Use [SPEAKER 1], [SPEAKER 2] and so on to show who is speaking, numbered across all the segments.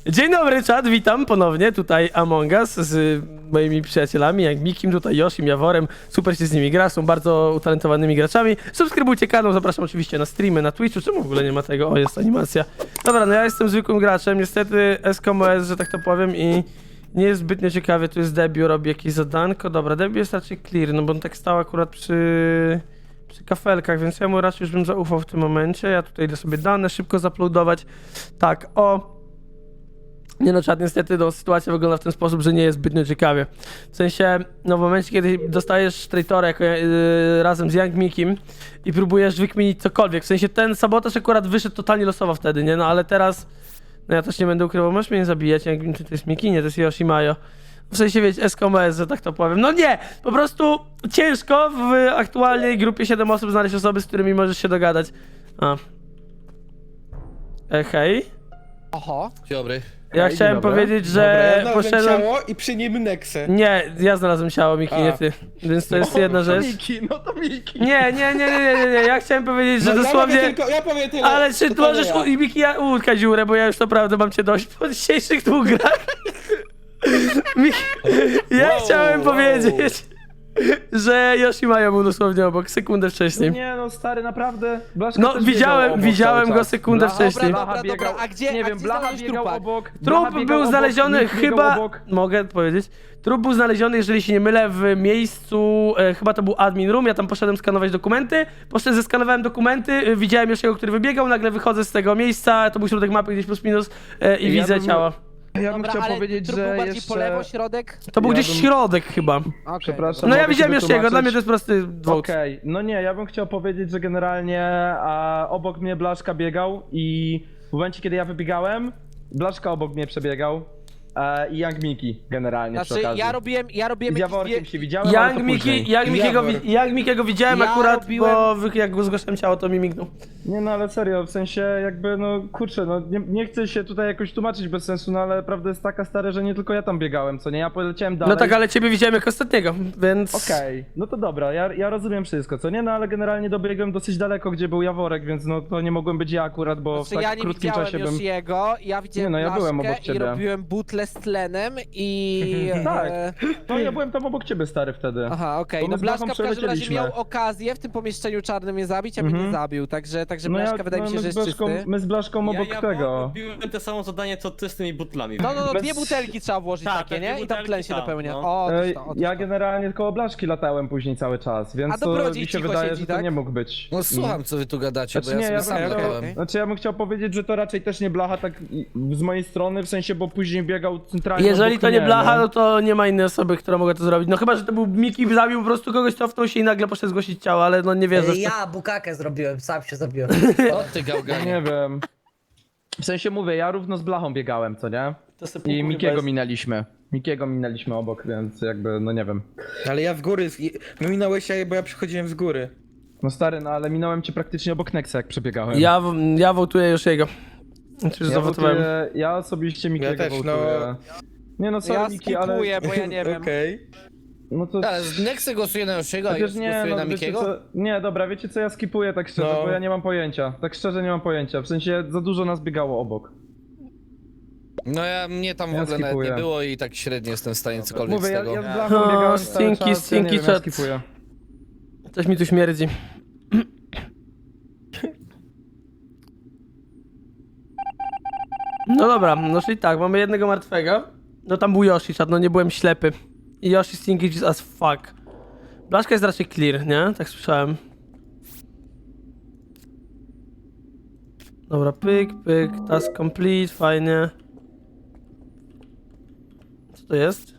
[SPEAKER 1] Dzień dobry, czat, witam ponownie, tutaj Among Us z moimi przyjacielami, jak Mikim, tutaj Yoshim, Jaworem, super się z nimi gra, są bardzo utalentowanymi graczami. Subskrybujcie kanał, zapraszam oczywiście na streamy, na Twitchu, czemu w ogóle nie ma tego? O, jest animacja. Dobra, no ja jestem zwykłym graczem, niestety SKMS, że tak to powiem i nie jest zbytnio ciekawie, tu jest Debiu, robi jakieś zadanko, dobra, Debiu jest raczej clear, no bo on tak stał akurat przy kafelkach, więc ja mu raczej już bym zaufał w tym momencie, ja tutaj idę sobie dane szybko zaploadować, tak, o. Nie no, czad, niestety no, sytuacja wygląda w ten sposób, że nie jest zbytnio ciekawie. W sensie, no w momencie, kiedy dostajesz traitora jako, razem z Young Mikim i próbujesz wykminić cokolwiek, w sensie ten sabotaż akurat wyszedł totalnie losowo wtedy, nie? No ale teraz, no ja też nie będę ukrywał, możesz mnie nie zabijać, Young, czy to jest Miki? Nie, to jest Yoshimayo. W sensie, wiecie, SKMS, że tak to powiem. No nie! Po prostu ciężko w aktualnej grupie 7 osób znaleźć osoby, z którymi możesz się dogadać. A. Hej.
[SPEAKER 2] Oho.
[SPEAKER 3] Dzień dobry.
[SPEAKER 1] Ja chciałem powiedzieć, że poszedłem...
[SPEAKER 4] ciało i przy nim Nexę.
[SPEAKER 1] Nie, ja znalazłem ciało, Miki, nie ty. Więc to jest jedna rzecz.
[SPEAKER 4] No to Miki.
[SPEAKER 1] Nie, ja chciałem powiedzieć, że dosłownie...
[SPEAKER 4] Ja powiem tyle.
[SPEAKER 1] Ale czy
[SPEAKER 4] To
[SPEAKER 1] możesz,
[SPEAKER 4] ja.
[SPEAKER 1] Miki, utkać dziurę, bo ja już naprawdę mam cię dość po dzisiejszych dwóch grach. Miki, ja chciałem powiedzieć, że Yoshimayo był dosłownie obok, sekundę wcześniej.
[SPEAKER 5] Nie no, stary, naprawdę. Blaszka
[SPEAKER 1] No,
[SPEAKER 5] też biegał obok
[SPEAKER 1] widziałem
[SPEAKER 5] cały
[SPEAKER 1] go
[SPEAKER 5] czas.
[SPEAKER 1] sekundę
[SPEAKER 5] Blacha-
[SPEAKER 1] wcześniej.
[SPEAKER 2] Dobra,
[SPEAKER 5] Blacha biegał,
[SPEAKER 2] a gdzie-
[SPEAKER 5] nie
[SPEAKER 2] a
[SPEAKER 5] wiem,
[SPEAKER 2] gdzie
[SPEAKER 5] Blacha
[SPEAKER 2] znaleźć
[SPEAKER 5] biegał
[SPEAKER 2] trupa?
[SPEAKER 5] obok.
[SPEAKER 1] Trup
[SPEAKER 5] Blacha biegał
[SPEAKER 1] był
[SPEAKER 5] obok,
[SPEAKER 1] znaleziony
[SPEAKER 5] Nick biegał
[SPEAKER 1] chyba,
[SPEAKER 5] obok.
[SPEAKER 1] mogę powiedzieć, trup był znaleziony, jeżeli się nie mylę, w miejscu, chyba to był admin room, ja tam poszedłem skanować dokumenty, zeskanowałem dokumenty, widziałem Yoshiego, który wybiegał, nagle wychodzę z tego miejsca, to był środek mapy gdzieś plus minus i
[SPEAKER 5] Ja
[SPEAKER 1] widzę
[SPEAKER 5] bym-
[SPEAKER 1] ciało.
[SPEAKER 5] Ja bym
[SPEAKER 2] Dobra,
[SPEAKER 5] chciał
[SPEAKER 2] ale
[SPEAKER 5] powiedzieć,
[SPEAKER 2] trup był
[SPEAKER 5] że
[SPEAKER 2] bardziej
[SPEAKER 5] jeszcze...
[SPEAKER 2] po lewo, środek?
[SPEAKER 1] To był
[SPEAKER 5] Ja
[SPEAKER 1] gdzieś
[SPEAKER 5] bym-
[SPEAKER 1] środek chyba.
[SPEAKER 2] Okay.
[SPEAKER 5] Przepraszam.
[SPEAKER 1] No ja
[SPEAKER 5] mogę
[SPEAKER 1] widziałem
[SPEAKER 5] się
[SPEAKER 1] Yoshiego, dla mnie to
[SPEAKER 5] wytłumaczyć?
[SPEAKER 1] jest prosty vote.
[SPEAKER 5] Okej, no nie, ja bym chciał powiedzieć, że generalnie obok mnie Blaszka biegał i w momencie, kiedy ja wybiegałem, Blaszka obok mnie przebiegał i Young Miki generalnie przy
[SPEAKER 2] Znaczy,
[SPEAKER 5] okazji.
[SPEAKER 2] ja robiłem
[SPEAKER 5] Z
[SPEAKER 2] jakieś
[SPEAKER 5] Jaworkiem się widziałem, ale to
[SPEAKER 1] Young
[SPEAKER 5] później.
[SPEAKER 1] Mikiego widziałem
[SPEAKER 2] Ja
[SPEAKER 1] akurat,
[SPEAKER 2] robiłem-
[SPEAKER 1] bo jak go zgłaszałem ciało, to mi mignął.
[SPEAKER 5] Nie no, ale serio, w sensie jakby, no kurczę, no nie chcę się tutaj jakoś tłumaczyć bez sensu, no ale prawda jest taka, stara, że nie tylko ja tam biegałem, co nie, ja poleciałem dalej.
[SPEAKER 1] No tak, ale ciebie widziałem jako ostatniego, więc...
[SPEAKER 5] Okej, no to dobra, ja rozumiem wszystko, co nie, no ale generalnie dobiegłem dosyć daleko, gdzie był Jaworek, więc no to nie mogłem być ja akurat, bo w
[SPEAKER 2] Znaczy,
[SPEAKER 5] tak
[SPEAKER 2] ja nie
[SPEAKER 5] krótkim
[SPEAKER 2] widziałem
[SPEAKER 5] czasie bym...
[SPEAKER 2] Yoshiego, ja widziałem
[SPEAKER 5] Nie no, ja byłem
[SPEAKER 2] Blaszkę
[SPEAKER 5] obok ciebie.
[SPEAKER 2] i robiłem butle z tlenem i...
[SPEAKER 5] Tak. No ja byłem tam obok ciebie, stary, wtedy.
[SPEAKER 2] Aha, okej,
[SPEAKER 5] Bo
[SPEAKER 2] no
[SPEAKER 5] my z Blachą
[SPEAKER 2] Blaszka w każdym razie
[SPEAKER 5] przelecieliśmy.
[SPEAKER 2] miał okazję w tym pomieszczeniu czarnym mnie zabić, a mnie nie zabił, także Blaszka wydaje mi się,
[SPEAKER 5] my
[SPEAKER 2] że
[SPEAKER 5] z
[SPEAKER 2] jest
[SPEAKER 5] Blaszką,
[SPEAKER 2] czysty.
[SPEAKER 5] my z Blaszką obok tego.
[SPEAKER 3] robiłem te samo zadanie co ty z tymi butlami.
[SPEAKER 2] No,
[SPEAKER 5] Bez-
[SPEAKER 2] dwie butelki trzeba włożyć
[SPEAKER 3] Tak,
[SPEAKER 2] takie,
[SPEAKER 3] tak,
[SPEAKER 2] nie?
[SPEAKER 3] dwie
[SPEAKER 2] I tam tlen
[SPEAKER 3] butelki,
[SPEAKER 2] się
[SPEAKER 3] tak,
[SPEAKER 2] dopełnia.
[SPEAKER 3] no.
[SPEAKER 2] O,
[SPEAKER 5] Ja generalnie koło Blaszki latałem później cały czas,
[SPEAKER 2] A
[SPEAKER 5] więc to
[SPEAKER 2] dobrodziej
[SPEAKER 5] mi się
[SPEAKER 2] cicho
[SPEAKER 5] wydaje,
[SPEAKER 2] siedzi,
[SPEAKER 5] że to
[SPEAKER 2] tak?
[SPEAKER 5] nie mógł być.
[SPEAKER 3] No słucham co wy tu gadacie,
[SPEAKER 5] Znaczy
[SPEAKER 3] bo ja
[SPEAKER 5] nie,
[SPEAKER 3] sobie
[SPEAKER 5] ja
[SPEAKER 3] sam
[SPEAKER 5] bym,
[SPEAKER 3] latałem.
[SPEAKER 2] okej.
[SPEAKER 5] znaczy ja bym chciał powiedzieć, że to raczej też nie Blacha tak z mojej strony, w sensie, bo później biegał centralnie
[SPEAKER 1] Jeżeli
[SPEAKER 5] obok
[SPEAKER 1] to nie
[SPEAKER 5] mnie,
[SPEAKER 1] Blacha, no to nie ma innej osoby, która mogła to zrobić. No chyba, że to był Miki, zabił po prostu kogoś, cofnął się i nagle poszedł zgłosić ciało, ale no nie wierzę. w to.
[SPEAKER 6] Ja bukakę zrobiłem, sam się zabiłem.
[SPEAKER 3] O ty gałganie.
[SPEAKER 5] Nie wiem. W sensie mówię, ja równo z Blachą biegałem, co nie?
[SPEAKER 1] To sobie
[SPEAKER 5] I
[SPEAKER 1] kurwa
[SPEAKER 5] Mikiego
[SPEAKER 1] jest.
[SPEAKER 5] minęliśmy. Mikiego minęliśmy obok, więc jakby, no nie wiem.
[SPEAKER 4] Ale ja w góry, minąłeś się, bo ja przychodziłem z góry.
[SPEAKER 5] No stary, no ale minąłem cię praktycznie obok Nexa, jak przebiegałem.
[SPEAKER 1] Ja wołtuję Yoshiego. Znaczy, że zawotowałem.
[SPEAKER 5] ja osobiście Mikiego
[SPEAKER 4] Ja też, no.
[SPEAKER 5] wołtuję. Nie no, sorry
[SPEAKER 2] Ja
[SPEAKER 5] Miki, ale...
[SPEAKER 2] skipuję, bo ja nie wiem.
[SPEAKER 4] Okej.
[SPEAKER 5] No to...
[SPEAKER 3] Ale z Nexy głosuje na Yoshiego, a
[SPEAKER 5] Chociaż nie,
[SPEAKER 3] głosuje
[SPEAKER 5] no
[SPEAKER 3] na
[SPEAKER 5] wiecie
[SPEAKER 3] Mikiego?
[SPEAKER 5] co... Nie, dobra, wiecie co, ja skipuję tak szczerze,
[SPEAKER 4] No.
[SPEAKER 5] bo ja nie mam pojęcia. Tak szczerze nie mam pojęcia, w sensie za dużo nas biegało obok.
[SPEAKER 3] No mnie tam w
[SPEAKER 5] Ja
[SPEAKER 3] ogóle nawet
[SPEAKER 5] skipuję.
[SPEAKER 3] nie było i tak średnio jestem w stanie cokolwiek
[SPEAKER 5] Mówię,
[SPEAKER 3] z
[SPEAKER 5] ja
[SPEAKER 3] tego.
[SPEAKER 5] z Blachą
[SPEAKER 1] O,
[SPEAKER 5] biegałem cały
[SPEAKER 1] stinky,
[SPEAKER 5] czas,
[SPEAKER 1] stinky
[SPEAKER 5] ja nie wiem, ja
[SPEAKER 1] chat.
[SPEAKER 5] skipuję.
[SPEAKER 1] Coś mi tu śmierdzi. No dobra, no czyli tak, mamy jednego martwego. No tam był Yoshi, czad, no nie byłem ślepy. I Yoshi stinky is as fuck. Blaszka jest raczej clear, nie? Tak słyszałem. Dobra, pyk, pyk, task complete, fajnie. Co to jest?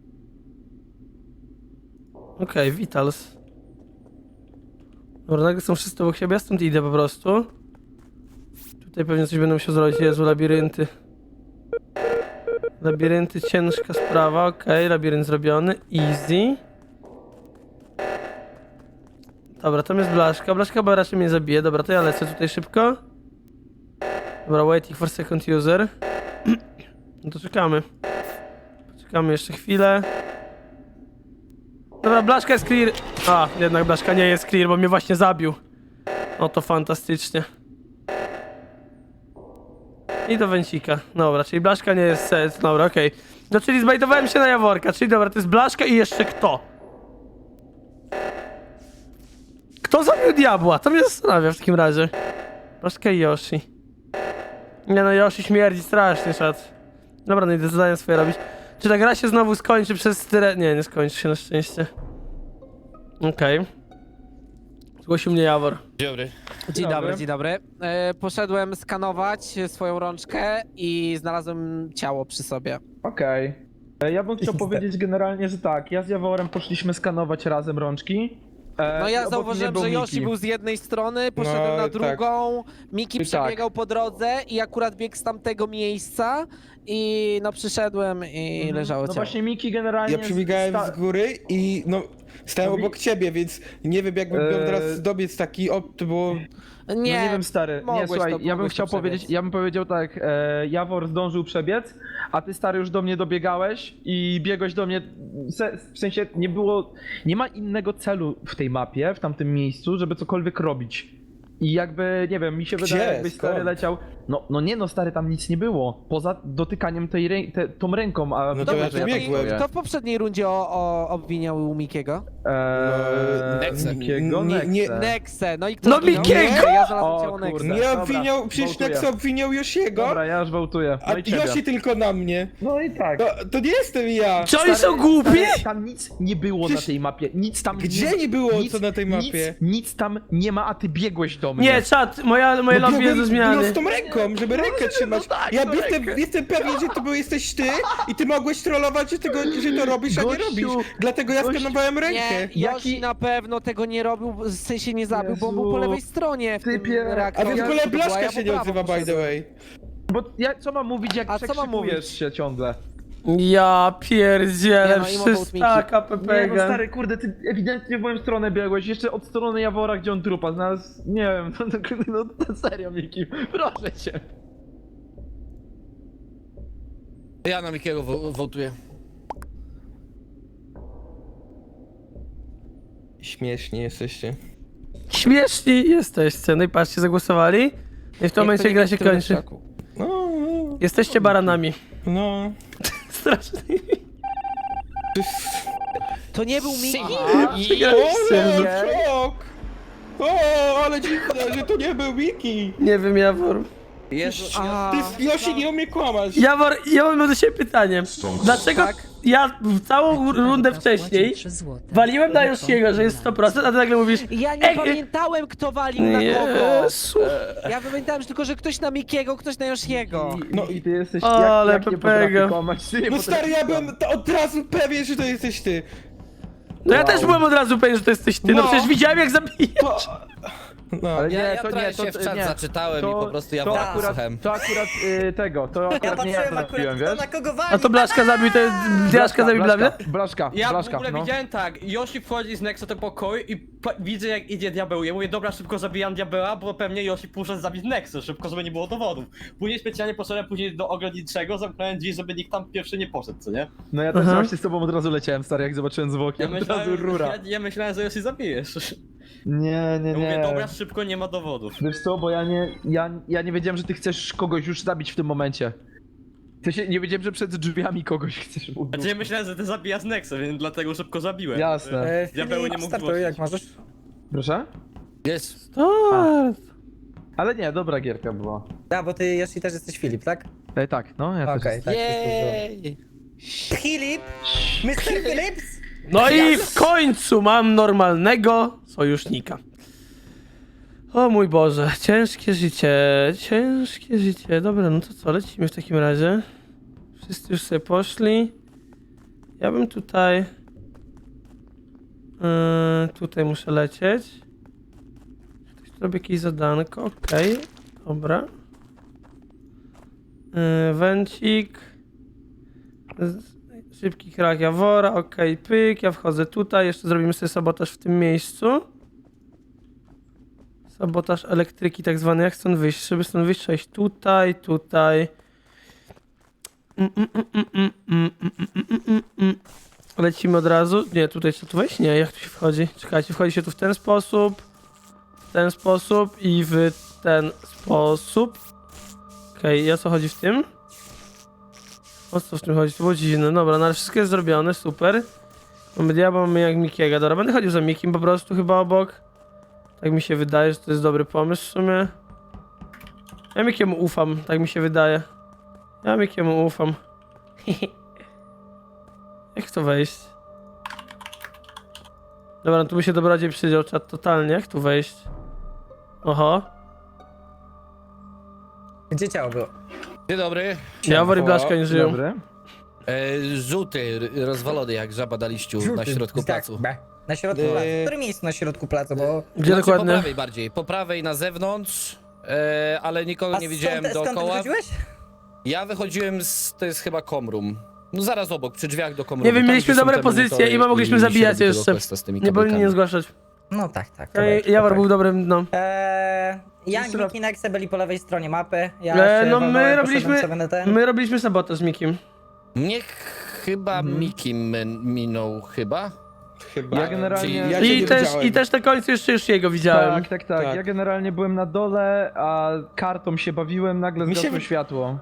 [SPEAKER 1] Okej, Vitals. Dobra, nagle są wszyscy obok siebie, ja stąd idę po prostu. Tutaj pewnie coś będę musiał zrobić, Jezu, labirynty. Labirynty, ciężka sprawa, okej, labirynt zrobiony, easy. Dobra, tam jest Blaszka, Blaszka chyba raczej mnie zabije, dobra, to ja lecę tutaj szybko. Dobra, waiting for second user. No to czekamy. Poczekamy jeszcze chwilę. Dobra, Blaszka jest clear. A, jednak Blaszka nie jest clear, bo mnie właśnie zabił. No to fantastycznie. I do Węcika. Dobra, czyli Blaszka nie jest set. Dobra, okej. No czyli zbajtowałem się na Jaworka, czyli dobra, to jest Blaszka i jeszcze kto? Kto zabił diabła? To mnie zastanawia w takim razie. Blaszka i Yoshi. Nie no, Yoshi śmierdzi strasznie, czat. Dobra, no idę zadania swoje robić. Czy ta gra się znowu skończy przez tyle... Nie, nie skończy się na szczęście. Okej. Zgłosił mnie Jawor.
[SPEAKER 3] Dobry.
[SPEAKER 2] Dzień dobry, dzień dobry. Poszedłem skanować swoją rączkę i znalazłem ciało przy sobie.
[SPEAKER 5] Okej. Ja bym chciał powiedzieć generalnie, że tak, ja z Jaworem poszliśmy skanować razem rączki.
[SPEAKER 2] No
[SPEAKER 5] i
[SPEAKER 2] ja
[SPEAKER 5] obok
[SPEAKER 2] zauważyłem,
[SPEAKER 5] mnie
[SPEAKER 2] że
[SPEAKER 5] był
[SPEAKER 2] Yoshi
[SPEAKER 5] Miki.
[SPEAKER 2] był z jednej strony, poszedłem
[SPEAKER 4] No,
[SPEAKER 2] na
[SPEAKER 4] tak.
[SPEAKER 2] drugą, Miki
[SPEAKER 5] I
[SPEAKER 2] przebiegał po drodze i akurat biegł z tamtego miejsca i no przyszedłem i leżało
[SPEAKER 5] No
[SPEAKER 2] ciało.
[SPEAKER 5] właśnie Miki generalnie...
[SPEAKER 4] Ja przebiegałem z góry i no stałem
[SPEAKER 5] No
[SPEAKER 4] obok ciebie, więc nie wiem jakbym miał teraz dobiec taki, to było...
[SPEAKER 5] No nie wiem, stary. Nie,
[SPEAKER 2] mogłeś
[SPEAKER 5] słuchaj,
[SPEAKER 2] to-
[SPEAKER 5] ja bym
[SPEAKER 2] mogłeś
[SPEAKER 5] chciał
[SPEAKER 2] to przebiec.
[SPEAKER 5] powiedzieć, ja bym powiedział tak, Jawor zdążył przebiec, a ty, stary, już do mnie dobiegałeś i biegłeś do mnie, w sensie nie ma innego celu w tej mapie, w tamtym miejscu, żeby cokolwiek robić. I jakby, nie wiem, mi się
[SPEAKER 4] Gdzie?
[SPEAKER 5] wydaje, jakbyś, stary,
[SPEAKER 4] Skąd?
[SPEAKER 5] leciał, no nie no, stary, tam nic nie było, poza dotykaniem tą ręką, a...
[SPEAKER 4] No to
[SPEAKER 2] Dobra,
[SPEAKER 4] ja tu biegłem.
[SPEAKER 2] kto w poprzedniej rundzie obwiniał Mikiego?
[SPEAKER 3] Nexe.
[SPEAKER 5] Mikiego?
[SPEAKER 4] Nie,
[SPEAKER 2] Nexe, no i kto
[SPEAKER 1] No
[SPEAKER 2] zginął?
[SPEAKER 1] Mikiego!
[SPEAKER 2] Ja znalazłem
[SPEAKER 5] O,
[SPEAKER 2] ciało Nexe.
[SPEAKER 5] kurde.
[SPEAKER 4] Nie
[SPEAKER 5] Dobra,
[SPEAKER 4] obwiniał, przecież
[SPEAKER 5] wołtuję.
[SPEAKER 4] Nex obwiniał Yoshiego,
[SPEAKER 5] Dobra, ja już wołtuję,
[SPEAKER 4] a
[SPEAKER 5] no i ciebie.
[SPEAKER 4] Yoshi tylko na mnie.
[SPEAKER 5] No i tak.
[SPEAKER 4] To nie jestem ja.
[SPEAKER 1] Czy oni są głupi?
[SPEAKER 5] Stary, tam nic nie było
[SPEAKER 4] Przecież-
[SPEAKER 5] na tej mapie. Nic tam
[SPEAKER 4] Gdzie nie było co na tej mapie?
[SPEAKER 5] Nic tam nie ma, a ty biegłeś do mnie.
[SPEAKER 1] Nie, czat, moje lobby jest do
[SPEAKER 4] biegłem
[SPEAKER 1] zmiany.
[SPEAKER 4] z tą ręką, żeby rękę trzymać.
[SPEAKER 5] tak,
[SPEAKER 4] Ja
[SPEAKER 5] no
[SPEAKER 4] jestem pewien, że to jesteś ty i ty mogłeś trollować, że to robisz, a nie
[SPEAKER 5] Gościu,
[SPEAKER 4] robisz. Dlatego ja
[SPEAKER 5] gościu,
[SPEAKER 4] skanowałem rękę.
[SPEAKER 2] Nie, Yoshi
[SPEAKER 5] Jaki-
[SPEAKER 2] na pewno tego nie robił, w sensie nie zabił, bo on był po
[SPEAKER 5] Jezu,
[SPEAKER 2] lewej stronie w tym
[SPEAKER 5] typie.
[SPEAKER 4] A
[SPEAKER 2] reaktorze.
[SPEAKER 4] w ogóle
[SPEAKER 2] To była,
[SPEAKER 4] Blaszka
[SPEAKER 2] ja
[SPEAKER 4] się
[SPEAKER 2] po
[SPEAKER 4] nie
[SPEAKER 2] prawo
[SPEAKER 4] odzywa, by the
[SPEAKER 2] poszedłem.
[SPEAKER 4] way.
[SPEAKER 5] Bo ja co mam mówić, jak
[SPEAKER 2] A co mam
[SPEAKER 5] przekrzykujesz
[SPEAKER 2] mówić?
[SPEAKER 5] się ciągle?
[SPEAKER 1] Ja pierdzielę,
[SPEAKER 2] Nie no, i mowa
[SPEAKER 1] przystaka
[SPEAKER 5] Nie no,
[SPEAKER 1] Pepega.
[SPEAKER 5] stary, kurde, ty ewidentnie w moją stronę biegłeś, jeszcze od strony Jawora, gdzie on trupa znalazł, nie wiem, no serio, Miki, proszę cię.
[SPEAKER 3] Ja na Mikiego wołtuję.
[SPEAKER 4] Śmieszni jesteście.
[SPEAKER 1] Śmieszni jesteście, no i patrzcie, zagłosowali. I w tym momencie gra się kończy.
[SPEAKER 4] No,
[SPEAKER 1] Jesteście baranami.
[SPEAKER 4] no.
[SPEAKER 1] Strasznie.
[SPEAKER 2] To nie był Miki.
[SPEAKER 1] Przegraliście.
[SPEAKER 4] Szok! O, ale dziwne, że to nie był Miki.
[SPEAKER 1] Nie wiem, Jawor.
[SPEAKER 3] Jezu,
[SPEAKER 2] A,
[SPEAKER 4] Ty, Yoshi, nie umie kłamać.
[SPEAKER 1] Jawor, ja mam do siebie pytanie. Dlaczego
[SPEAKER 2] Tak.
[SPEAKER 1] ja w całą rundę wcześniej waliłem na Yoshiego, że jest 100%, a ty nagle mówisz
[SPEAKER 2] ja nie pamiętałem, kto walił na kogo.
[SPEAKER 1] Jezu.
[SPEAKER 2] Ja pamiętałem tylko, że ktoś na Mikiego, ktoś na Yoshiego.
[SPEAKER 5] No i ty jesteś,
[SPEAKER 1] Ale
[SPEAKER 5] jak nie
[SPEAKER 1] Pepega.
[SPEAKER 5] potrafię kłamać, ty nie
[SPEAKER 4] No
[SPEAKER 5] potrafisz
[SPEAKER 4] stary, ja
[SPEAKER 5] kłamać.
[SPEAKER 4] byłem od razu pewien, że to jesteś ty.
[SPEAKER 1] No ja też byłem od razu pewien, że to jesteś ty, no
[SPEAKER 4] No.
[SPEAKER 1] przecież widziałem jak zabijasz.
[SPEAKER 4] To... No.
[SPEAKER 5] Ale
[SPEAKER 3] Ja
[SPEAKER 5] to
[SPEAKER 3] trochę
[SPEAKER 5] nie, to
[SPEAKER 3] się w czat
[SPEAKER 5] nie.
[SPEAKER 3] zaczytałem i po prostu ja
[SPEAKER 5] to
[SPEAKER 3] was
[SPEAKER 5] akurat,
[SPEAKER 3] słuchałem.
[SPEAKER 5] to akurat to
[SPEAKER 6] Ja
[SPEAKER 5] akurat nie ja to
[SPEAKER 6] patrzyłem akurat
[SPEAKER 5] zrobiłem,
[SPEAKER 6] kto
[SPEAKER 5] wiesz?
[SPEAKER 6] na kogo wali.
[SPEAKER 1] A to Blaszka zabił, to Blaszka zabił dla mnie?
[SPEAKER 5] Blaszka,
[SPEAKER 7] Ja
[SPEAKER 5] Blaszka,
[SPEAKER 7] w ogóle
[SPEAKER 5] no.
[SPEAKER 7] widziałem tak, Yoshi wchodzi z Nexa do pokoju i widzę jak idzie diabeł. Ja mówię, dobra, szybko zabijam diabeła, bo pewnie Yoshi poszedł zabić Nexę, szybko, żeby nie było dowodów. Później specjalnie poszedłem do ogrodniczego, zamknąłem drzwi, żeby nikt tam pierwszy nie poszedł, co nie?
[SPEAKER 5] No ja też
[SPEAKER 1] Aha.
[SPEAKER 5] właśnie z tobą od razu leciałem, stary, jak zobaczyłem zwłoki, od razu rura.
[SPEAKER 7] Ja myślałem, że Yoshi zabijesz.
[SPEAKER 5] Nie, nie,
[SPEAKER 7] Ja mówię,
[SPEAKER 5] nie.
[SPEAKER 7] dobra, szybko, nie ma dowodów.
[SPEAKER 5] Wiesz co, bo ja nie wiedziałem, że ty chcesz kogoś już zabić w tym momencie. W sensie, nie wiedziałem, że przed drzwiami kogoś chcesz ubić.
[SPEAKER 7] Znaczy ja myślałem, że ty zabijasz Nexę, więc dlatego szybko zabiłem.
[SPEAKER 5] Jasne.
[SPEAKER 7] Diabeł nie mógł
[SPEAKER 6] startuj, jak
[SPEAKER 7] głosić.
[SPEAKER 6] możesz.
[SPEAKER 5] Proszę?
[SPEAKER 3] Jest.
[SPEAKER 1] Start.
[SPEAKER 5] Ale nie, dobra gierka była.
[SPEAKER 6] Ja, bo ty Yoshi też jesteś Filip, tak?
[SPEAKER 5] Tak, no, ja też
[SPEAKER 6] Okej,
[SPEAKER 5] jestem.
[SPEAKER 6] tak.
[SPEAKER 3] Jej!
[SPEAKER 6] Filip! Mr. Phillips!
[SPEAKER 1] No i w końcu mam normalnego sojusznika. O mój Boże, ciężkie życie, ciężkie życie. Dobra, no to co, lecimy w takim razie. Wszyscy już sobie poszli. Ja bym tutaj... tutaj muszę lecieć. Ktoś tu robi jakieś zadanko, okej. Dobra. Węcik. Szybki krak Jawora, okej, pyk, ja wchodzę tutaj, jeszcze zrobimy sobie sabotaż w tym miejscu. Sabotaż elektryki tak zwany, jak stąd wyjść? Żeby stąd wyjść, trzeba iść tutaj, tutaj. Lecimy od razu. Nie, tutaj trzeba tu wejść? Nie, jak tu się wchodzi? Czekajcie, wchodzi się tu w ten sposób i w ten sposób. Okej, o co chodzi w tym? O co w tym chodzi? To było dziwne. Dobra, no ale wszystko jest zrobione, super. Mamy diabła, mamy jak Mikiego. Dobra, będę chodził za Mikim po prostu chyba obok. Tak mi się wydaje, że to jest dobry pomysł w sumie. Ja Mikiemu ufam, tak mi się wydaje. Ja Mikiemu ufam. Jak to wejść? Dobra, no tu by się dobrodziej przydział czat totalnie. Jak tu wejść? Oho.
[SPEAKER 6] Gdzie ciało było?
[SPEAKER 3] Dzień dobry.
[SPEAKER 1] Jawor i Blaszka nie żyją.
[SPEAKER 5] Dobry.
[SPEAKER 3] Żółty, rozwalony jak żaba na liściu na środku
[SPEAKER 6] Tak,
[SPEAKER 3] placu.
[SPEAKER 6] Na środku placu. W którym miejscu na środku placu, bo...
[SPEAKER 1] Gdzie
[SPEAKER 3] Znaczy, po
[SPEAKER 1] dokładnie?
[SPEAKER 3] prawej bardziej, po prawej na zewnątrz, ale nikogo nie widziałem
[SPEAKER 6] skąd ty
[SPEAKER 3] dookoła.
[SPEAKER 6] wychodziłeś?
[SPEAKER 3] Ja wychodziłem to jest chyba komrum. No zaraz obok, przy drzwiach do komrumu.
[SPEAKER 1] Nie wiem,
[SPEAKER 3] Tam,
[SPEAKER 1] mieliśmy
[SPEAKER 3] gdzie są
[SPEAKER 1] dobre
[SPEAKER 3] te
[SPEAKER 1] pozycje
[SPEAKER 3] monitory
[SPEAKER 1] i mogliśmy
[SPEAKER 3] się
[SPEAKER 1] zabijać
[SPEAKER 3] robi tego
[SPEAKER 1] jeszcze.
[SPEAKER 3] questa z tymi
[SPEAKER 1] Nie powinni
[SPEAKER 3] kabelkami.
[SPEAKER 1] nie zgłaszać.
[SPEAKER 6] No tak.
[SPEAKER 1] Jawor był dobrym, no.
[SPEAKER 6] Ja i Miki Nexe byli po lewej stronie mapy. Ja
[SPEAKER 1] No
[SPEAKER 6] się
[SPEAKER 1] my
[SPEAKER 6] walnąłem,
[SPEAKER 1] robiliśmy,
[SPEAKER 6] poszedłem sobie na ten.
[SPEAKER 1] my robiliśmy sabotaż z Mikim.
[SPEAKER 3] Mnie chyba Miki minął chyba.
[SPEAKER 4] Chyba.
[SPEAKER 5] Ja generalnie-
[SPEAKER 3] Czyli-
[SPEAKER 4] Ja cię
[SPEAKER 1] I
[SPEAKER 4] nie
[SPEAKER 1] też,
[SPEAKER 4] widziałem.
[SPEAKER 1] I też na końcu jeszcze już jego widziałem.
[SPEAKER 5] Tak.
[SPEAKER 4] Tak.
[SPEAKER 5] Ja generalnie byłem na dole, a kartą się bawiłem, nagle
[SPEAKER 4] Mi się
[SPEAKER 5] zgasło
[SPEAKER 4] wy-
[SPEAKER 5] światło.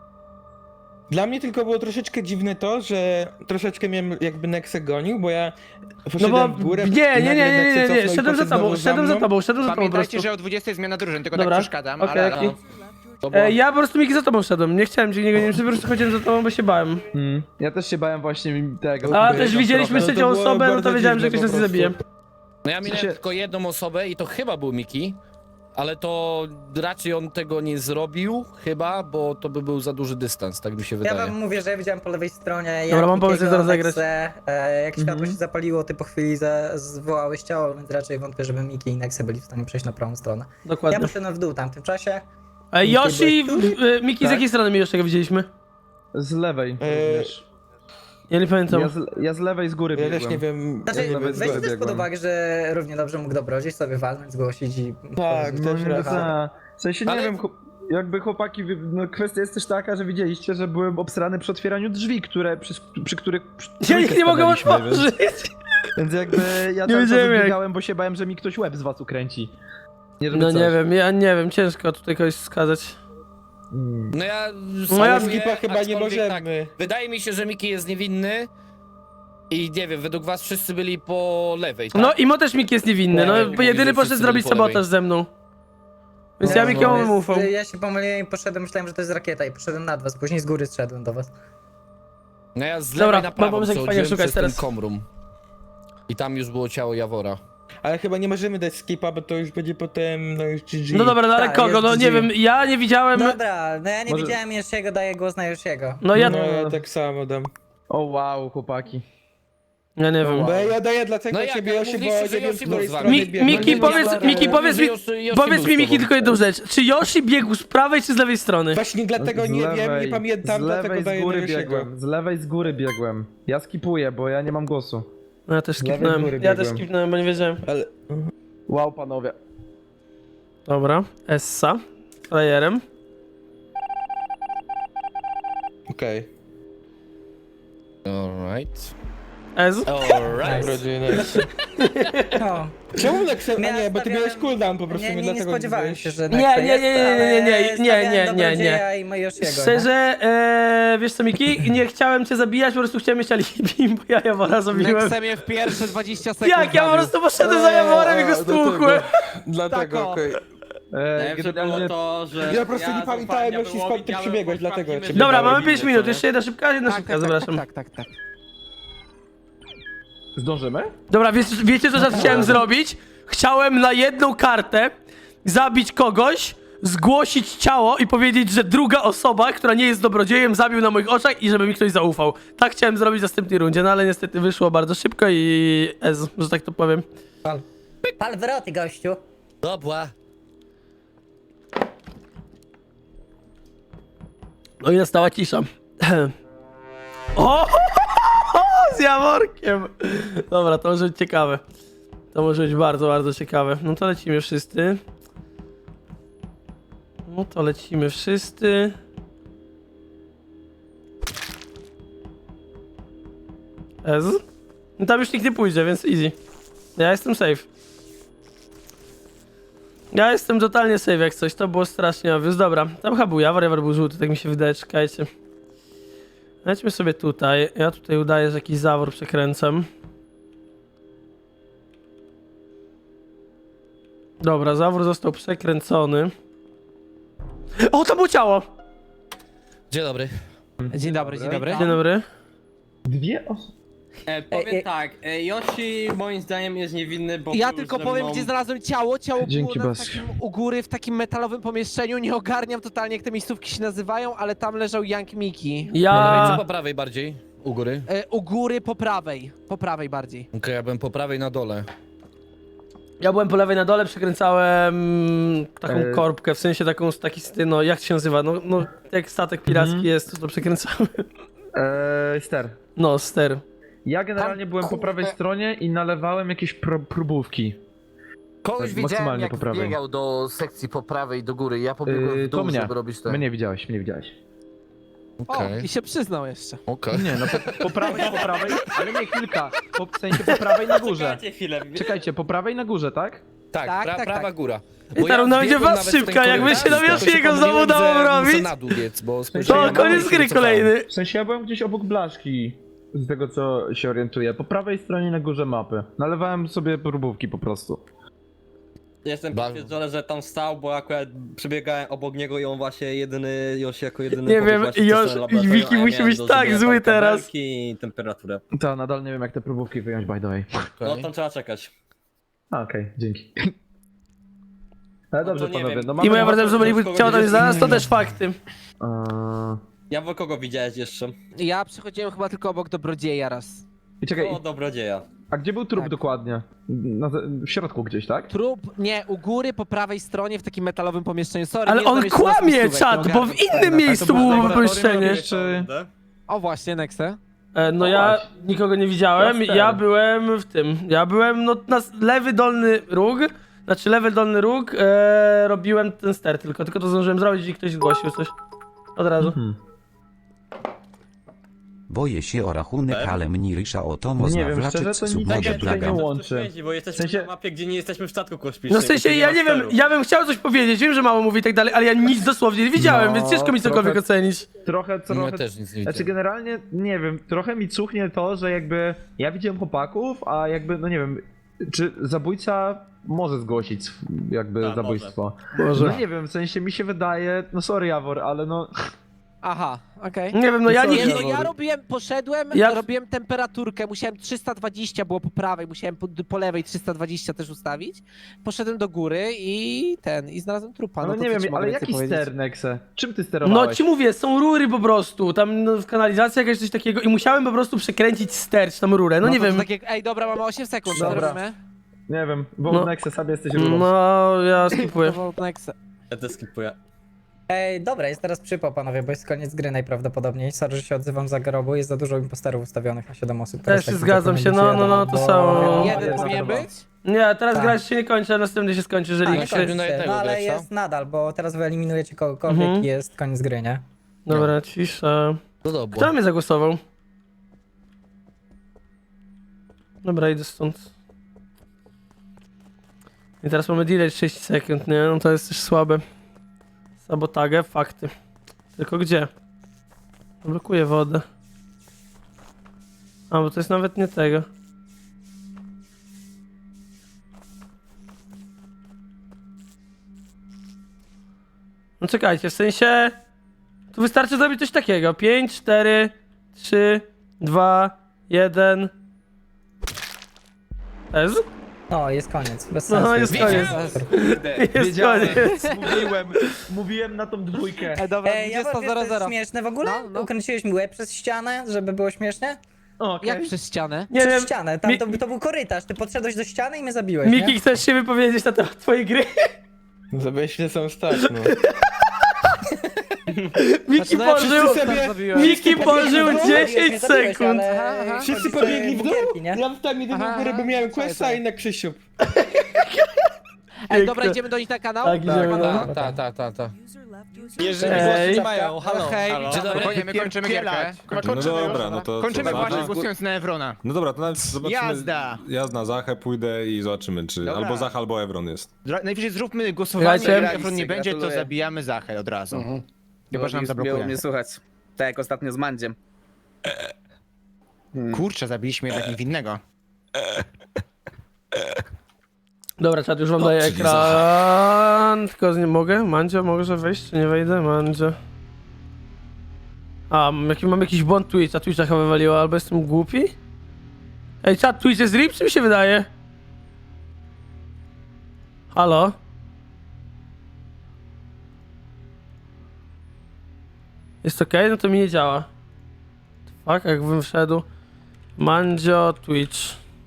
[SPEAKER 4] Dla mnie tylko było troszeczkę dziwne to, że troszeczkę miałem jakby Nexę gonił, bo ja
[SPEAKER 1] No
[SPEAKER 4] poszedłem
[SPEAKER 1] bo
[SPEAKER 4] w górę.
[SPEAKER 1] nie,
[SPEAKER 4] nagle Nexę cofnął i
[SPEAKER 1] szedłem za
[SPEAKER 4] poszedł
[SPEAKER 1] tobą,
[SPEAKER 4] znowu
[SPEAKER 1] szedłem za
[SPEAKER 4] mną.
[SPEAKER 1] tobą po prostu.
[SPEAKER 8] Pamiętajcie, że o 20 jest zmiana drużyn, tylko
[SPEAKER 1] Dobra,
[SPEAKER 8] tak przeszkadzam,
[SPEAKER 1] okej,
[SPEAKER 8] ale...
[SPEAKER 1] okej.
[SPEAKER 3] To było...
[SPEAKER 1] Ja po prostu Miki za tobą szedłem, nie chciałem cię nie gonić, po prostu chodziłem za tobą, bo się bałem.
[SPEAKER 5] Ja też się bałem właśnie tego.
[SPEAKER 1] A
[SPEAKER 4] Okej,
[SPEAKER 1] też
[SPEAKER 4] no
[SPEAKER 1] widzieliśmy
[SPEAKER 4] trochę.
[SPEAKER 1] trzecią
[SPEAKER 4] No to było
[SPEAKER 1] osobę, no to
[SPEAKER 4] bardzo
[SPEAKER 1] wiedziałem, że
[SPEAKER 4] dziwne
[SPEAKER 1] ktoś nas
[SPEAKER 4] po
[SPEAKER 1] zabije.
[SPEAKER 4] prostu.
[SPEAKER 3] No ja minąłem tylko jedną osobę i to chyba był Miki. Ale to raczej on tego nie zrobił, chyba, bo to by był za duży dystans, tak mi się
[SPEAKER 6] Ja
[SPEAKER 3] wydaje.
[SPEAKER 6] wam mówię, że ja widziałem po lewej stronie. Ja
[SPEAKER 1] Dobra, mam pomysł,
[SPEAKER 6] Mikiego,
[SPEAKER 1] jak to rozegrać.
[SPEAKER 6] Nexę, jak światło się zapaliło, ty po chwili zwołałeś ciało, więc raczej wątpię, żeby Miki i Nexe byli w stanie przejść na prawą stronę. Ja
[SPEAKER 1] Dokładnie.
[SPEAKER 6] poszedłem w dół tam w tym czasie.
[SPEAKER 1] Yoshi, Miki z
[SPEAKER 5] Tak.
[SPEAKER 1] jakiej strony my jeszcze go widzieliśmy?
[SPEAKER 5] Z lewej również.
[SPEAKER 1] Ja nie pamiętam.
[SPEAKER 5] Ja z lewej z góry
[SPEAKER 4] Ja
[SPEAKER 5] biegłem.
[SPEAKER 4] też nie wiem.
[SPEAKER 6] Znaczy,
[SPEAKER 5] Ja nawet
[SPEAKER 6] weźcie też
[SPEAKER 5] biegłem.
[SPEAKER 6] pod uwagę, że równie dobrze mógł dobrodziej sobie walnąć, zgłosić i...
[SPEAKER 4] Tak,
[SPEAKER 5] No
[SPEAKER 4] też
[SPEAKER 5] nie,
[SPEAKER 4] racja.
[SPEAKER 5] w sensie nie
[SPEAKER 3] Ale-
[SPEAKER 5] wiem, jakby chłopaki, no kwestia jest też taka, że widzieliście, że byłem obsrany przy otwieraniu drzwi, przy których
[SPEAKER 1] Ja ich nie mogę
[SPEAKER 5] stawaliśmy,
[SPEAKER 1] otworzyć!
[SPEAKER 5] Więc jakby ja
[SPEAKER 1] Nie
[SPEAKER 5] cały czas
[SPEAKER 1] wiedziałem jak.
[SPEAKER 5] biegałem, bo się bałem, że mi ktoś łeb z was ukręci. Nie, żeby
[SPEAKER 1] No
[SPEAKER 5] coś.
[SPEAKER 1] nie wiem, ja nie wiem, ciężko tutaj kogoś wskazać.
[SPEAKER 3] No ja...
[SPEAKER 1] No ja
[SPEAKER 3] spróbuję,
[SPEAKER 4] Skipa chyba nie
[SPEAKER 3] aczkolwiek
[SPEAKER 4] możemy.
[SPEAKER 3] Tak, wydaje mi się, że Miki jest niewinny. I nie wiem, według was wszyscy byli po lewej, tak?
[SPEAKER 1] No i Mo też Miki jest niewinny, no
[SPEAKER 3] Tak,
[SPEAKER 1] bo
[SPEAKER 3] mówi,
[SPEAKER 1] jedyny
[SPEAKER 3] że
[SPEAKER 1] poszedł
[SPEAKER 3] wszyscy
[SPEAKER 1] zrobić
[SPEAKER 3] byli po lewej.
[SPEAKER 1] sabotaż ze mną. Więc
[SPEAKER 6] No,
[SPEAKER 1] ja Mikiemu bym ufał.
[SPEAKER 6] Ja się pomyliłem i poszedłem, myślałem, że to jest rakieta i poszedłem nad was, później z góry zszedłem do was.
[SPEAKER 3] No ja z
[SPEAKER 1] Dobra,
[SPEAKER 3] lewej na
[SPEAKER 1] mam
[SPEAKER 3] prawo
[SPEAKER 1] pomysł, jak fajnie
[SPEAKER 3] przechodziłem
[SPEAKER 1] szukać
[SPEAKER 3] przez ten
[SPEAKER 1] teraz.
[SPEAKER 3] komrum. I tam już było ciało Jawora.
[SPEAKER 4] Ale chyba nie możemy dać skipa, bo to już będzie potem, no już GG.
[SPEAKER 1] No dobra, no ale
[SPEAKER 6] Tak,
[SPEAKER 1] kogo?
[SPEAKER 6] jest
[SPEAKER 1] No nie
[SPEAKER 6] GG.
[SPEAKER 1] wiem, ja nie widziałem.
[SPEAKER 6] Dobra, no ja nie
[SPEAKER 5] Może-
[SPEAKER 6] widziałem Yoshiego, daję głos na Yoshiego.
[SPEAKER 1] No ja.
[SPEAKER 4] No ja tak samo dam.
[SPEAKER 5] O wow, chłopaki.
[SPEAKER 1] Ja nie wiem.
[SPEAKER 4] Bo ja daję dlatego
[SPEAKER 3] No jak,
[SPEAKER 4] ciebie
[SPEAKER 3] ale
[SPEAKER 4] Yoshi, bo
[SPEAKER 3] mówiliście, że
[SPEAKER 4] nie wiem, z
[SPEAKER 3] Yoshi
[SPEAKER 4] której
[SPEAKER 3] był z wami.
[SPEAKER 4] strony
[SPEAKER 1] Mi,
[SPEAKER 4] biegł.
[SPEAKER 1] Miki,
[SPEAKER 3] nie
[SPEAKER 1] powiedz,
[SPEAKER 3] wiem,
[SPEAKER 1] Miki,
[SPEAKER 3] ale
[SPEAKER 1] powiedz mi,
[SPEAKER 3] Yoshi
[SPEAKER 1] powiedz
[SPEAKER 3] był
[SPEAKER 1] mi
[SPEAKER 3] z
[SPEAKER 1] Miki
[SPEAKER 3] tobą.
[SPEAKER 1] tylko jedną rzecz. Czy Yoshi biegł z prawej czy z lewej strony?
[SPEAKER 4] Właśnie dlatego
[SPEAKER 5] Z
[SPEAKER 4] nie wiem,
[SPEAKER 5] lewej-
[SPEAKER 4] nie pamiętam,
[SPEAKER 5] z
[SPEAKER 4] dlatego
[SPEAKER 5] lewej z
[SPEAKER 4] daję na
[SPEAKER 5] góry
[SPEAKER 4] Yoshiego.
[SPEAKER 5] biegłem. Z lewej z góry biegłem. Ja skipuję, bo ja nie mam głosu.
[SPEAKER 1] No ja też
[SPEAKER 4] lewej
[SPEAKER 1] skipnąłem.
[SPEAKER 4] góry
[SPEAKER 1] Ja też
[SPEAKER 4] biegłem.
[SPEAKER 1] skipnąłem, bo nie wiedziałem.
[SPEAKER 4] Ale...
[SPEAKER 5] Wow, panowie.
[SPEAKER 1] Dobra, Essa. Frajerem.
[SPEAKER 4] Okej.
[SPEAKER 3] Alright.
[SPEAKER 1] Ez.
[SPEAKER 3] Alright.
[SPEAKER 4] Dobrodziejne.
[SPEAKER 6] No,
[SPEAKER 4] Czemu Nexe? A
[SPEAKER 6] Ja
[SPEAKER 4] nie, bo ty
[SPEAKER 6] stawiałem-
[SPEAKER 4] miałeś cooldown po prostu,
[SPEAKER 6] nie
[SPEAKER 4] dlatego
[SPEAKER 6] spodziewałem
[SPEAKER 4] byłeś-
[SPEAKER 6] się, że
[SPEAKER 1] Nie,
[SPEAKER 6] Nexe
[SPEAKER 1] nie,
[SPEAKER 6] jest,
[SPEAKER 1] nie, nie,
[SPEAKER 6] ale
[SPEAKER 1] nie, nie,
[SPEAKER 6] stawiałem
[SPEAKER 1] nie, nie,
[SPEAKER 6] Dobrodzieja i Yoshiego,
[SPEAKER 1] Szczerze, wiesz co Miki? Nie chciałem cię zabijać, po prostu chciałem mieć alibi, bo ja Jawora zabiłem.
[SPEAKER 2] Nexe mnie w pierwsze 20 sekund
[SPEAKER 1] Jak? Ja po
[SPEAKER 2] zabił.
[SPEAKER 1] prostu poszedłem za Jaworem i go stłukłem.
[SPEAKER 4] Dlatego,
[SPEAKER 2] Tak, o.
[SPEAKER 4] okej.
[SPEAKER 7] Najlepsze było
[SPEAKER 5] Generalnie
[SPEAKER 7] to, że
[SPEAKER 4] Ja po prostu nie pamiętałem,
[SPEAKER 7] zaufałem
[SPEAKER 4] Yoshi, skąd ty
[SPEAKER 7] Diabełowi,
[SPEAKER 4] przybiegłeś, dlatego
[SPEAKER 7] sprawdzimy,
[SPEAKER 4] cię
[SPEAKER 7] czy
[SPEAKER 1] Dobra,
[SPEAKER 7] Diabeł
[SPEAKER 1] mamy 5
[SPEAKER 7] winny,
[SPEAKER 1] minut,
[SPEAKER 7] co nie?
[SPEAKER 1] jeszcze jedna szybka, zapraszam.
[SPEAKER 2] Tak.
[SPEAKER 5] zdążymy?
[SPEAKER 1] Dobra, wiecie co teraz chciałem zrobić? Chciałem na jedną kartę zabić kogoś, zgłosić ciało i powiedzieć, że druga osoba, która nie jest dobrodziejem, zabił na moich oczach i żeby mi ktoś zaufał. Tak chciałem zrobić w następnej rundzie, no ale niestety wyszło bardzo szybko i że tak to powiem.
[SPEAKER 6] Pal wroty, gościu.
[SPEAKER 3] Dobra.
[SPEAKER 1] No i nastała cisza. O! Z Jaworkiem! Dobra, to może być ciekawe. To może być bardzo, bardzo ciekawe. No to lecimy wszyscy. Ez? No tam już nikt nie pójdzie, więc easy. Ja jestem safe. Ja jestem totalnie safe jak coś, to było strasznie obvious. Dobra, tam chyba był Jawor był żółty, tak mi się wydaje, czekajcie. Lećmy sobie tutaj, ja tutaj udaję, że jakiś zawór przekręcam. Dobra, zawór został przekręcony. O, to było ciało!
[SPEAKER 3] Dzień dobry.
[SPEAKER 2] Dzień dobry, dzień dobry.
[SPEAKER 1] Dzień dobry.
[SPEAKER 5] Dwie osoby.
[SPEAKER 7] Powiem tak, Yoshi moim zdaniem jest niewinny, bo
[SPEAKER 2] Ja
[SPEAKER 7] był
[SPEAKER 2] tylko
[SPEAKER 7] ze
[SPEAKER 2] powiem,
[SPEAKER 7] mną-
[SPEAKER 2] gdzie znalazłem ciało. Ciało
[SPEAKER 5] Dzięki,
[SPEAKER 2] było
[SPEAKER 5] Bas.
[SPEAKER 2] u góry w takim metalowym pomieszczeniu. Nie ogarniam totalnie, jak te miejscówki się nazywają, ale tam leżał Young Miki.
[SPEAKER 3] Co
[SPEAKER 1] Ja...
[SPEAKER 3] po prawej bardziej? U góry?
[SPEAKER 2] U góry po prawej bardziej.
[SPEAKER 3] Okej, ja byłem po prawej na dole.
[SPEAKER 1] Ja byłem po lewej na dole, przekręcałem taką
[SPEAKER 5] E.
[SPEAKER 1] korbkę, w sensie taką, no jak się nazywa, no jak statek piracki jest, to przekręcałem.
[SPEAKER 5] Ster.
[SPEAKER 1] No, ster.
[SPEAKER 5] Ja generalnie
[SPEAKER 2] Tam,
[SPEAKER 5] byłem po
[SPEAKER 2] kurde.
[SPEAKER 5] prawej stronie i nalewałem jakieś próbówki.
[SPEAKER 9] Kogoś
[SPEAKER 5] Tak,
[SPEAKER 9] widziałem,
[SPEAKER 5] maksymalnie
[SPEAKER 9] jak
[SPEAKER 5] po prawej.
[SPEAKER 9] biegał do sekcji po prawej do góry. Ja pobiegłem w
[SPEAKER 5] To
[SPEAKER 9] dół,
[SPEAKER 5] mnie.
[SPEAKER 9] żeby robić to.
[SPEAKER 5] Mnie widziałeś, mnie widziałeś.
[SPEAKER 3] Okej.
[SPEAKER 2] O, i się przyznał jeszcze.
[SPEAKER 3] Okej.
[SPEAKER 5] Nie, no po prawej, ale nie kilka. W sensie po prawej na górze.
[SPEAKER 7] Czekajcie chwilę.
[SPEAKER 5] Czekajcie, po prawej na górze, tak?
[SPEAKER 3] Tak,
[SPEAKER 2] Tak, tak,
[SPEAKER 3] prawa
[SPEAKER 2] tak.
[SPEAKER 3] góra.
[SPEAKER 1] I teraz będzie
[SPEAKER 3] wbiegłem
[SPEAKER 1] was
[SPEAKER 3] nawet w ten
[SPEAKER 1] szybka, jakby
[SPEAKER 3] korytarz,
[SPEAKER 1] się na
[SPEAKER 3] tylko
[SPEAKER 1] Yoshiego
[SPEAKER 3] pomyliłem,
[SPEAKER 1] znowu dało
[SPEAKER 3] że muszę
[SPEAKER 1] robić.
[SPEAKER 3] na dół biec, bo
[SPEAKER 1] To
[SPEAKER 3] spojrzałem na
[SPEAKER 1] koniec
[SPEAKER 3] dół i
[SPEAKER 1] gry
[SPEAKER 3] się cofałem.
[SPEAKER 1] kolejny.
[SPEAKER 5] W sensie ja byłem gdzieś obok blaszki. Z tego co się orientuję. Po prawej stronie na górze mapy. Nalewałem sobie próbówki po prostu.
[SPEAKER 7] Jestem
[SPEAKER 3] Ba-
[SPEAKER 7] potwierdzony, że tam stał, bo akurat przebiegałem obok niego i on właśnie jedyny, Yoshi jako jedyny
[SPEAKER 1] Nie
[SPEAKER 7] pobiegł
[SPEAKER 1] wiem,
[SPEAKER 7] właśnie w
[SPEAKER 1] Yoshi-
[SPEAKER 7] stronę laboratorium,
[SPEAKER 1] Wiki
[SPEAKER 7] a ja
[SPEAKER 1] musi
[SPEAKER 7] miałem
[SPEAKER 1] być
[SPEAKER 7] do
[SPEAKER 1] tak
[SPEAKER 7] zrobienia
[SPEAKER 1] zły
[SPEAKER 7] tam
[SPEAKER 1] teraz.
[SPEAKER 7] kabelki i temperaturę.
[SPEAKER 5] To nadal nie wiem jak te próbówki wyjąć by the way.
[SPEAKER 7] No
[SPEAKER 3] Okej.
[SPEAKER 7] tam trzeba czekać.
[SPEAKER 5] Okej, dzięki. Ale
[SPEAKER 7] No
[SPEAKER 5] dobrze
[SPEAKER 7] to nie
[SPEAKER 5] panowie,
[SPEAKER 7] wiem.
[SPEAKER 5] no
[SPEAKER 1] I
[SPEAKER 5] mamy...
[SPEAKER 1] moja wrażenie, że byli
[SPEAKER 7] kogoś
[SPEAKER 1] ciało tam
[SPEAKER 7] widzieć?
[SPEAKER 1] zaraz, to też fakty.
[SPEAKER 5] Eee,
[SPEAKER 7] Ja w kogo widziałeś jeszcze?
[SPEAKER 2] Ja przechodziłem chyba tylko obok dobrodzieja raz.
[SPEAKER 5] I czekaj,
[SPEAKER 7] O, dobrodzieja.
[SPEAKER 5] a gdzie był trup
[SPEAKER 2] Tak.
[SPEAKER 5] dokładnie? W środku gdzieś, tak?
[SPEAKER 2] Trup, nie, u góry po prawej stronie w takim metalowym pomieszczeniu. Sorry,
[SPEAKER 1] Ale
[SPEAKER 2] nie znam
[SPEAKER 1] on
[SPEAKER 2] jeszcze
[SPEAKER 1] kłamie,
[SPEAKER 2] nazw
[SPEAKER 1] czat,
[SPEAKER 2] miejscówek,
[SPEAKER 1] bo
[SPEAKER 2] nie
[SPEAKER 1] w
[SPEAKER 2] ogarniam.
[SPEAKER 1] innym miejscu
[SPEAKER 5] było
[SPEAKER 1] było
[SPEAKER 5] laboratorium
[SPEAKER 1] pomieszczenie.
[SPEAKER 5] jakieś, czy...
[SPEAKER 2] O właśnie, Nexe.
[SPEAKER 1] No
[SPEAKER 5] O,
[SPEAKER 1] ja
[SPEAKER 5] właśnie.
[SPEAKER 1] nikogo nie widziałem,
[SPEAKER 5] Jasne.
[SPEAKER 1] ja byłem w tym, ja byłem no na lewy dolny róg, znaczy lewy dolny róg, robiłem ten ster tylko to zdążyłem zrobić i ktoś zgłosił coś. Od razu.
[SPEAKER 5] Mhm.
[SPEAKER 10] Boję się o rachunek, ale mnie rysza o to można
[SPEAKER 5] Nie wiem, szczerze,
[SPEAKER 10] wlaczyć
[SPEAKER 5] to nic
[SPEAKER 10] submodę
[SPEAKER 5] takiego tutaj nie
[SPEAKER 10] blaga.
[SPEAKER 5] łączy.
[SPEAKER 7] Bo jesteśmy
[SPEAKER 5] W sensie-
[SPEAKER 7] na mapie, gdzie nie jesteśmy w statku kosmicznym.
[SPEAKER 1] No w sensie ja nie wiem, ja bym chciał coś powiedzieć, wiem, że mało mówi i tak dalej, ale ja nic dosłownie nie widziałem,
[SPEAKER 5] No,
[SPEAKER 1] więc ciężko mi cokolwiek
[SPEAKER 5] trochę-
[SPEAKER 1] ocenić.
[SPEAKER 5] Trochę,
[SPEAKER 3] No, ja też nic nie
[SPEAKER 5] Znaczy
[SPEAKER 3] widzę.
[SPEAKER 5] generalnie, nie wiem, trochę mi cuchnie to, że jakby ja widziałem chłopaków, a jakby, no nie wiem, czy zabójca może zgłosić jakby
[SPEAKER 7] Tak,
[SPEAKER 5] zabójstwo.
[SPEAKER 1] Może.
[SPEAKER 5] No nie wiem, w sensie mi się wydaje, no sorry Jawor, ale no...
[SPEAKER 2] Aha, okej.
[SPEAKER 1] Nie wiem, no ja
[SPEAKER 5] Co
[SPEAKER 1] nie...
[SPEAKER 2] Nie, no ja poszedłem,
[SPEAKER 1] Ja-
[SPEAKER 2] robiłem temperaturkę, musiałem 320 było po prawej, musiałem po lewej 320 też ustawić. Poszedłem do góry i znalazłem trupa.
[SPEAKER 5] No,
[SPEAKER 2] No, to
[SPEAKER 5] nie
[SPEAKER 2] co ci
[SPEAKER 5] wiem,
[SPEAKER 2] mogę
[SPEAKER 5] ale
[SPEAKER 2] więcej
[SPEAKER 5] jaki
[SPEAKER 2] powiedzieć?
[SPEAKER 5] ster, Nexe? Czym ty sterowałeś?
[SPEAKER 1] No ci mówię, są rury po prostu, tam no, w kanalizacji jakaś coś takiego i musiałem po prostu przekręcić ster, czy tam rurę, no nie
[SPEAKER 2] to
[SPEAKER 1] wiem.
[SPEAKER 2] Tak jak, ej, dobra, mamy 8 sekund, co
[SPEAKER 5] Dobra.
[SPEAKER 2] robimy?
[SPEAKER 5] Nie wiem, bo
[SPEAKER 1] No.
[SPEAKER 5] Nexe sobie jesteś rurą.
[SPEAKER 1] No, ja skipuję.
[SPEAKER 2] To Nexe.
[SPEAKER 7] Ja też skipuję.
[SPEAKER 6] Ej, dobra, jest teraz przypał, panowie, bo jest koniec gry najprawdopodobniej. Sorry, że się odzywam za grobu, jest za dużo imposterów ustawionych na 7 osób. Teraz
[SPEAKER 1] Też się
[SPEAKER 6] tak
[SPEAKER 1] zgadzam się,
[SPEAKER 6] tylko
[SPEAKER 1] no, to
[SPEAKER 6] bo-
[SPEAKER 1] samo.
[SPEAKER 2] Jeden
[SPEAKER 6] jest
[SPEAKER 2] powinien
[SPEAKER 6] na
[SPEAKER 2] być?
[SPEAKER 1] Nie, teraz
[SPEAKER 6] Tak.
[SPEAKER 1] gra się nie kończy, a następny się skończy, jeżeli
[SPEAKER 6] Tak,
[SPEAKER 1] się...
[SPEAKER 3] kończy.
[SPEAKER 6] kończy
[SPEAKER 3] na
[SPEAKER 6] się,
[SPEAKER 3] jednego
[SPEAKER 6] no ale
[SPEAKER 3] grać, co?
[SPEAKER 6] jest nadal, bo teraz wyeliminujecie kogokolwiek
[SPEAKER 1] Mhm.
[SPEAKER 6] i jest koniec gry, nie?
[SPEAKER 1] Dobra, cisza.
[SPEAKER 3] No dobra.
[SPEAKER 1] Kto na mnie zagłosował? Dobra, idę stąd. I teraz mamy delay 30 sekund, nie? No to jest też słabe. Sabotagę, fakty. Tylko gdzie? Blokuję wodę. A, bo to jest nawet nie tego. No czekajcie, w sensie... Tu wystarczy zrobić coś takiego. 5, 4, 3, 2, 1... Ez?
[SPEAKER 6] No, jest koniec, bez
[SPEAKER 1] No,
[SPEAKER 6] sensu.
[SPEAKER 1] jest koniec. Jest
[SPEAKER 5] Wiedziałem,
[SPEAKER 1] koniec.
[SPEAKER 5] mówiłem na tą dwójkę.
[SPEAKER 2] Ej, dobra,
[SPEAKER 6] Ej, ja wiem, to jest
[SPEAKER 2] 20:00.
[SPEAKER 6] śmieszne w ogóle?
[SPEAKER 2] No, no.
[SPEAKER 6] Ukręciłeś mi łeb przez ścianę, żeby było śmiesznie?
[SPEAKER 5] Okej.
[SPEAKER 2] Jak przez ścianę?
[SPEAKER 1] Nie
[SPEAKER 6] Przez
[SPEAKER 1] wiem,
[SPEAKER 6] ścianę, tam
[SPEAKER 1] Mi-
[SPEAKER 6] to był korytarz, ty podszedłeś do ściany i mnie zabiłeś,
[SPEAKER 1] Miki,
[SPEAKER 6] nie?
[SPEAKER 1] chcesz się wypowiedzieć na temat twojej gry?
[SPEAKER 4] Zabieźle są stać, no.
[SPEAKER 1] Miki
[SPEAKER 2] no ja
[SPEAKER 1] pożył...
[SPEAKER 4] wszyscy sobie-
[SPEAKER 2] zabiłem.
[SPEAKER 1] Miki pożył
[SPEAKER 6] Zabiłeś,
[SPEAKER 1] 10
[SPEAKER 6] zabiłeś,
[SPEAKER 1] sekund.
[SPEAKER 6] ale
[SPEAKER 2] Aha, aha.
[SPEAKER 4] Wszyscy
[SPEAKER 6] chodzi,
[SPEAKER 4] pobiegli w dół,
[SPEAKER 6] bugierki, nie?
[SPEAKER 4] ja tam idę do
[SPEAKER 2] Aha,
[SPEAKER 4] góry, bo miałem
[SPEAKER 2] czekaj,
[SPEAKER 4] questa
[SPEAKER 2] czekaj.
[SPEAKER 4] i na Krzysiu.
[SPEAKER 2] Ej, dobra, idziemy do nich na kanał?
[SPEAKER 1] Tak, idziemy.
[SPEAKER 3] Ta.
[SPEAKER 4] Jeżeli
[SPEAKER 1] Hej.
[SPEAKER 4] głosy mają, halo.
[SPEAKER 2] Hej.
[SPEAKER 3] Dzień dobry.
[SPEAKER 8] Spokojnie, my kończymy gierkę.
[SPEAKER 11] No dobra, no to
[SPEAKER 8] Kończymy
[SPEAKER 11] co,
[SPEAKER 8] właśnie
[SPEAKER 11] Zacha?
[SPEAKER 8] głosując na Evrona.
[SPEAKER 11] No dobra, to nawet zobaczymy.
[SPEAKER 8] Jazda!
[SPEAKER 11] Ja na Zachę pójdę i zobaczymy, czy
[SPEAKER 8] Dobra.
[SPEAKER 11] albo Zacha, albo Evron jest.
[SPEAKER 8] Najwyżej zróbmy głosowanie,
[SPEAKER 1] Słuchajcie.
[SPEAKER 8] jak Evron nie będzie, to zabijamy Zachę od razu. Chyba, że nam zablokuje.
[SPEAKER 9] słuchać. Tak jak ostatnio z Mandziem.
[SPEAKER 8] Kurczę, zabiliśmy jednak niewinnego.
[SPEAKER 1] Dobra, czat, już wam daję
[SPEAKER 11] czyli
[SPEAKER 1] ekran. Tylko nie mogę? Mandzio, może wejść? Czy nie wejdę? Mandzio. A, mam jakiś błąd Twitcha. Twitcha chyba wywaliło, albo jestem głupi? Ej, czat, Twitch jest RIP, czy mi się wydaje? Halo? Jest okej? No to mi nie działa. Fuck, jakbym wszedł. Mandzio, Twitch.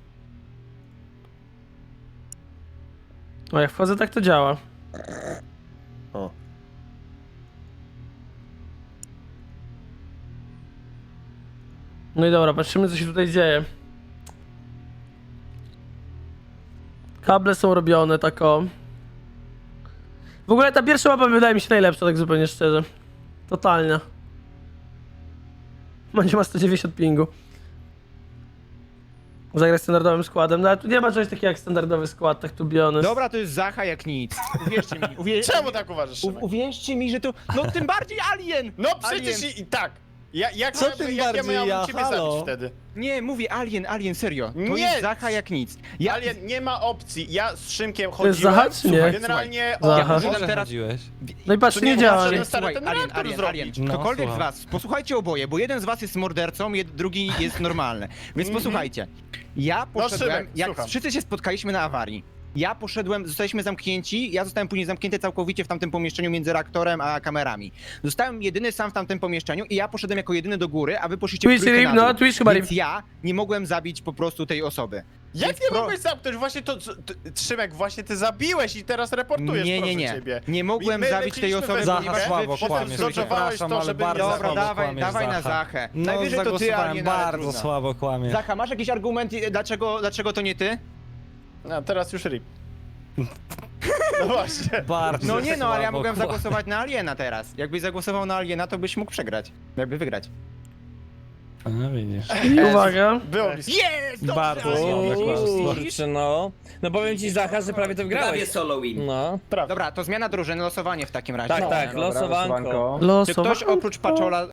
[SPEAKER 1] O, jak wchodzę, tak to działa.
[SPEAKER 11] O.
[SPEAKER 1] No i dobra, patrzymy, co się tutaj dzieje. Kable są robione, tak o. W ogóle ta pierwsza mapa wydaje mi się najlepsza, tak zupełnie szczerze. Totalnie. Mandzio ma 190 pingu. Zagrać standardowym składem, no ale tu nie ma czegoś takiego jak standardowy skład, tak tu biony.
[SPEAKER 8] Dobra, to jest Zacha jak nic. Uwierzcie mi.
[SPEAKER 12] Czemu tak uważasz, Szymek?
[SPEAKER 8] Uwierzcie mi, że to... No tym bardziej Alien!
[SPEAKER 12] No przecież
[SPEAKER 8] Alien.
[SPEAKER 12] i tak. Jak
[SPEAKER 4] Co
[SPEAKER 12] miałem-
[SPEAKER 4] tym
[SPEAKER 12] jak
[SPEAKER 4] bardziej
[SPEAKER 12] ja miałem
[SPEAKER 4] ja?
[SPEAKER 12] ciebie
[SPEAKER 4] Halo?
[SPEAKER 12] zabić wtedy?
[SPEAKER 8] Nie, mówię Alien, serio. To
[SPEAKER 12] Nie!
[SPEAKER 8] jest Zacha jak nic.
[SPEAKER 12] Ale nie ma opcji. Ja z Szymkiem
[SPEAKER 1] To jest
[SPEAKER 12] chodziłem.
[SPEAKER 1] Zacha, czy nie?
[SPEAKER 12] Generalnie
[SPEAKER 1] Zacha.
[SPEAKER 12] on...
[SPEAKER 8] Używam teraz...
[SPEAKER 1] No i patrz,
[SPEAKER 12] To
[SPEAKER 1] nie
[SPEAKER 12] nie
[SPEAKER 1] działa.
[SPEAKER 12] znaczy,
[SPEAKER 1] Nie.
[SPEAKER 12] stary, ten reaktor
[SPEAKER 8] Alien.
[SPEAKER 12] zrobić.
[SPEAKER 8] Ktokolwiek z was, posłuchajcie oboje, bo jeden z was jest mordercą, drugi jest normalny. Więc posłuchajcie. Ja poszedłem,
[SPEAKER 12] Szymek,
[SPEAKER 8] jak
[SPEAKER 12] słucham.
[SPEAKER 8] wszyscy się spotkaliśmy na awarii. Ja poszedłem, zostaliśmy zamknięci, ja zostałem później zamknięty całkowicie w tamtym pomieszczeniu między reaktorem a kamerami. Zostałem jedyny sam w tamtym pomieszczeniu i ja poszedłem jako jedyny do góry, a wy poszliście
[SPEAKER 1] Twitch
[SPEAKER 8] w trójkę
[SPEAKER 1] RIP,
[SPEAKER 8] na
[SPEAKER 1] no,
[SPEAKER 8] dół.
[SPEAKER 1] Twitch chyba RIP.
[SPEAKER 8] Więc ja nie mogłem zabić po prostu tej osoby.
[SPEAKER 12] Jak
[SPEAKER 8] Więc
[SPEAKER 12] nie mogłeś zamknąć? Właśnie to... Szymek, właśnie ty zabiłeś i teraz reportujesz, proszę ciebie.
[SPEAKER 8] Nie mogłem
[SPEAKER 12] My
[SPEAKER 8] zabić tej
[SPEAKER 12] leciliśmy
[SPEAKER 8] osoby,
[SPEAKER 12] we
[SPEAKER 8] ponieważ
[SPEAKER 12] dwójkę,
[SPEAKER 8] wy
[SPEAKER 12] potem
[SPEAKER 8] wszyscy
[SPEAKER 12] zdążowałeś
[SPEAKER 8] zdecydowałeś
[SPEAKER 12] to, żeby...
[SPEAKER 8] Dobra, dawaj na Zachę. Najwyżej to ty, Alien, ale trudno.
[SPEAKER 4] słabo kłamie.
[SPEAKER 8] Zacha, masz jakiś argument, dlaczego to nie ty?
[SPEAKER 12] A teraz już RIP. No właśnie.
[SPEAKER 4] Bardzo
[SPEAKER 8] No nie no, ale ja
[SPEAKER 4] słabo
[SPEAKER 8] mogłem
[SPEAKER 4] kłamie.
[SPEAKER 8] zagłosować na Aliena teraz. Jakbyś zagłosował na Aliena, to byś mógł przegrać. Jakby wygrać.
[SPEAKER 4] No widzisz.
[SPEAKER 1] I uwaga.
[SPEAKER 12] Było blisko.
[SPEAKER 8] Jest!
[SPEAKER 4] Bardzo
[SPEAKER 8] Kurczę,
[SPEAKER 7] no. No powiem ci, Zacha, że prawie to wygrałeś. No.
[SPEAKER 8] Dobra, to zmiana drużyny, losowanie w takim razie.
[SPEAKER 7] Tak, losowanko.
[SPEAKER 8] Czy
[SPEAKER 1] Losowo.
[SPEAKER 8] ktoś oprócz Paczola